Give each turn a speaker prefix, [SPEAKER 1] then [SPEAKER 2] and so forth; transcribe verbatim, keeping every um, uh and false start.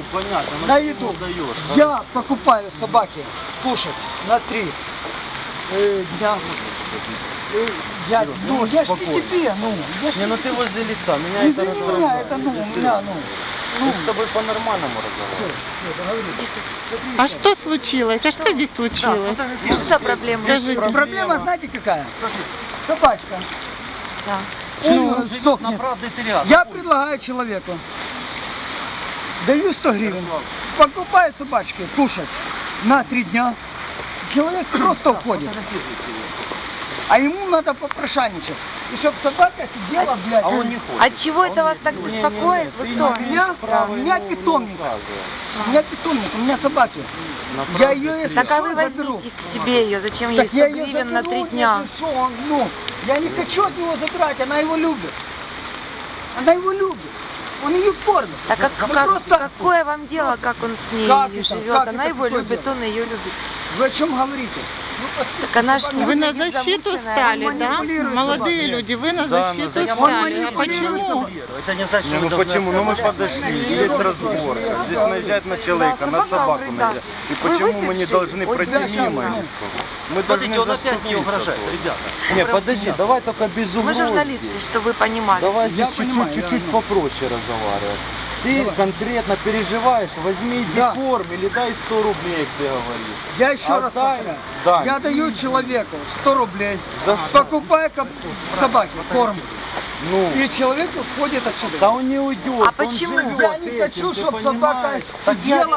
[SPEAKER 1] понятно.
[SPEAKER 2] на еду. Я покупаю собаке кушать на три э, дня. Э, я, ну, я ж не тебе, ну. Я ж
[SPEAKER 1] Не, ну ты возле лица, меня
[SPEAKER 2] не
[SPEAKER 1] это
[SPEAKER 2] для меня, это, ну, у меня, ну.
[SPEAKER 1] Мы с тобой по-нормальному разговариваем.
[SPEAKER 3] А что случилось? А что здесь случилось?
[SPEAKER 4] Ну, что проблема?
[SPEAKER 3] Скажите.
[SPEAKER 2] Проблема, знаете, какая? Собачка.
[SPEAKER 4] Да.
[SPEAKER 2] Ну, сохнет.
[SPEAKER 1] правда терял.
[SPEAKER 2] Я предлагаю человеку, даю сто гривен, покупаю собачке кушать на три дня. Человек просто уходит. А ему надо попрошайничать. И чтоб собака сидела, блядь.
[SPEAKER 1] А он не хочет.
[SPEAKER 4] От чего это вас так беспокоит? Вы кто?
[SPEAKER 2] У меня, у меня питомник. У меня питомник, у меня собаки. Я ее, если
[SPEAKER 4] Так а вы
[SPEAKER 2] что, заберу.
[SPEAKER 4] возьмите к себе ее, зачем ей
[SPEAKER 2] Так я
[SPEAKER 4] сто
[SPEAKER 2] ее
[SPEAKER 4] гривен на
[SPEAKER 2] заберу,
[SPEAKER 4] три дня?
[SPEAKER 2] если что, он, ну, я не хочу от него забирать, она его любит. Она его любит. Он ее кормит.
[SPEAKER 4] Так как,
[SPEAKER 2] Мы
[SPEAKER 4] как-
[SPEAKER 2] просто-
[SPEAKER 4] какое вам дело, как он с ней
[SPEAKER 2] Как это?
[SPEAKER 4] живет?
[SPEAKER 2] Как
[SPEAKER 4] Она
[SPEAKER 2] это
[SPEAKER 4] его
[SPEAKER 2] какое
[SPEAKER 4] любит,
[SPEAKER 2] дело?
[SPEAKER 4] он ее любит.
[SPEAKER 2] Вы о чем говорите? Ну,
[SPEAKER 4] Так она ж не
[SPEAKER 3] Вы на
[SPEAKER 4] будет
[SPEAKER 3] защиту
[SPEAKER 4] замученная,
[SPEAKER 3] стали,
[SPEAKER 4] он
[SPEAKER 3] да?
[SPEAKER 2] манипулирует
[SPEAKER 3] Молодые
[SPEAKER 2] собакой.
[SPEAKER 3] люди, вы на
[SPEAKER 1] Да,
[SPEAKER 3] защиту
[SPEAKER 1] на защиту.
[SPEAKER 3] стали. А
[SPEAKER 2] Он
[SPEAKER 3] почему?
[SPEAKER 1] Это не значит,
[SPEAKER 5] Не, ну почему? Ну мы подошли, есть разборка. Здесь наезжает на человека, на собаку наезжает. И почему мы не должны пройти мимо или что? Мы должны
[SPEAKER 1] Смотрите, он опять не угрожает,
[SPEAKER 5] заступиться.
[SPEAKER 1] ребята.
[SPEAKER 5] Не, подожди, давай только без
[SPEAKER 4] Мы
[SPEAKER 5] угрозы.
[SPEAKER 4] журналисты, что вы понимали.
[SPEAKER 5] Давай
[SPEAKER 2] Я
[SPEAKER 5] здесь
[SPEAKER 2] понимаю,
[SPEAKER 5] чуть-чуть
[SPEAKER 2] да,
[SPEAKER 5] чуть-чуть
[SPEAKER 2] да.
[SPEAKER 5] попроще разговаривать. Ты
[SPEAKER 2] Давай.
[SPEAKER 5] конкретно переживаешь, возьми
[SPEAKER 2] Да.
[SPEAKER 5] форм или дай сто рублей, как ты говоришь.
[SPEAKER 2] Я еще
[SPEAKER 5] А
[SPEAKER 2] раз
[SPEAKER 5] дай-
[SPEAKER 2] повторяю.
[SPEAKER 5] дай.
[SPEAKER 2] Я даю человеку сто рублей,
[SPEAKER 5] За что?
[SPEAKER 2] покупаю коп- собаке корм,
[SPEAKER 5] Ну,
[SPEAKER 2] и человек уходит отсюда.
[SPEAKER 5] да он не уйдет.
[SPEAKER 4] А
[SPEAKER 5] он
[SPEAKER 4] почему?
[SPEAKER 5] живет
[SPEAKER 2] Я не
[SPEAKER 5] этим,
[SPEAKER 2] хочу,
[SPEAKER 5] ты
[SPEAKER 2] чтобы собака
[SPEAKER 5] понимаешь?
[SPEAKER 2] сидела,